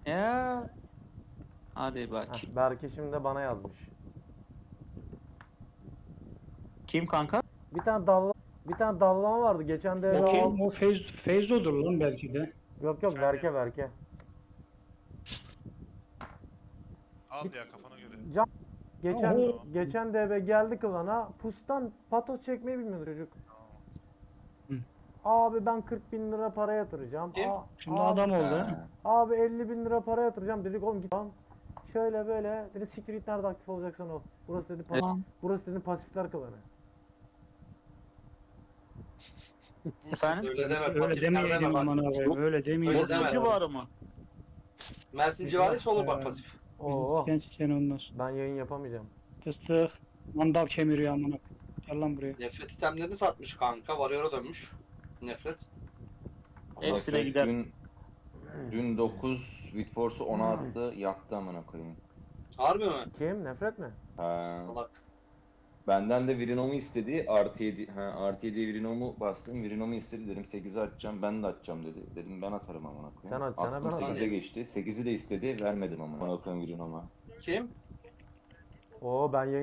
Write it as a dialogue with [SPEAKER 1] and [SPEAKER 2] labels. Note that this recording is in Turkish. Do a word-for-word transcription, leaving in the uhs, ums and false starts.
[SPEAKER 1] Ya. Hadi bak.
[SPEAKER 2] Heh, Berke şimdi de bana yazmış.
[SPEAKER 1] Kim kanka?
[SPEAKER 2] Bir tane dalla bir tane dallama vardı geçen de
[SPEAKER 1] O
[SPEAKER 2] eve
[SPEAKER 1] kim?
[SPEAKER 2] al.
[SPEAKER 3] O Feyz, Feyzo'dur lan belki de.
[SPEAKER 2] Yok yok Berke Berke.
[SPEAKER 4] Al ya kafana göre.
[SPEAKER 2] Can geçen
[SPEAKER 3] Oho.
[SPEAKER 2] geçen de eve geldi kılana pustan patos çekmeyi bilmiyor çocuk.
[SPEAKER 4] Tamam.
[SPEAKER 2] Abi ben kırk bin lira para yatıracağım.
[SPEAKER 5] Kim?
[SPEAKER 2] Aa,
[SPEAKER 3] Şimdi
[SPEAKER 2] abi,
[SPEAKER 3] adam oldu ha.
[SPEAKER 6] Ha.
[SPEAKER 2] abi elli bin lira para yatıracağım dedik oğlum git lan. Şöyle böyle dedim siktir git nerede aktif olacaksan ol. Burası dedi pas
[SPEAKER 1] Tamam.
[SPEAKER 2] burası dedi pasifler kılanı.
[SPEAKER 1] Efendim?
[SPEAKER 5] Öyle deme.
[SPEAKER 3] Öyle
[SPEAKER 5] Pasifler
[SPEAKER 3] demeyelim
[SPEAKER 5] deme bak.
[SPEAKER 3] aman abi. Öyle demeyelim.
[SPEAKER 5] Öyle deme.
[SPEAKER 1] civarı mı?
[SPEAKER 5] Mersin civarıysa olur bak pasif.
[SPEAKER 2] Oo
[SPEAKER 3] Sen sen ondan sonra.
[SPEAKER 2] ben yayın yapamayacağım.
[SPEAKER 3] Fıstık. Mandal kemiriyor amına. Gel lan buraya.
[SPEAKER 5] Nefret itemlerini satmış kanka. Warrior'a dönmüş. Nefret.
[SPEAKER 1] Hepsi de gider.
[SPEAKER 6] Dün, dün dokuz Whitforce'u ona attı, yaktı amına koyayım.
[SPEAKER 5] Harbi mi?
[SPEAKER 2] Kim? Nefret mi?
[SPEAKER 6] Ha.
[SPEAKER 5] Salak.
[SPEAKER 6] Benden de Virinom'u istedi. Artı yedi, ha, artı yediye Virinom'u bastım. Virinom'u istedi, dedim sekizi atacağım, ben de atacağım dedi. Dedim ben atarım amına koyayım.
[SPEAKER 2] Sen at, sana
[SPEAKER 6] Attım,
[SPEAKER 2] ben atarım.
[SPEAKER 6] sekize geçti. sekizi de istedi, vermedim amına koyayım Virinom'a.
[SPEAKER 5] Kim?
[SPEAKER 2] Oo ben yayın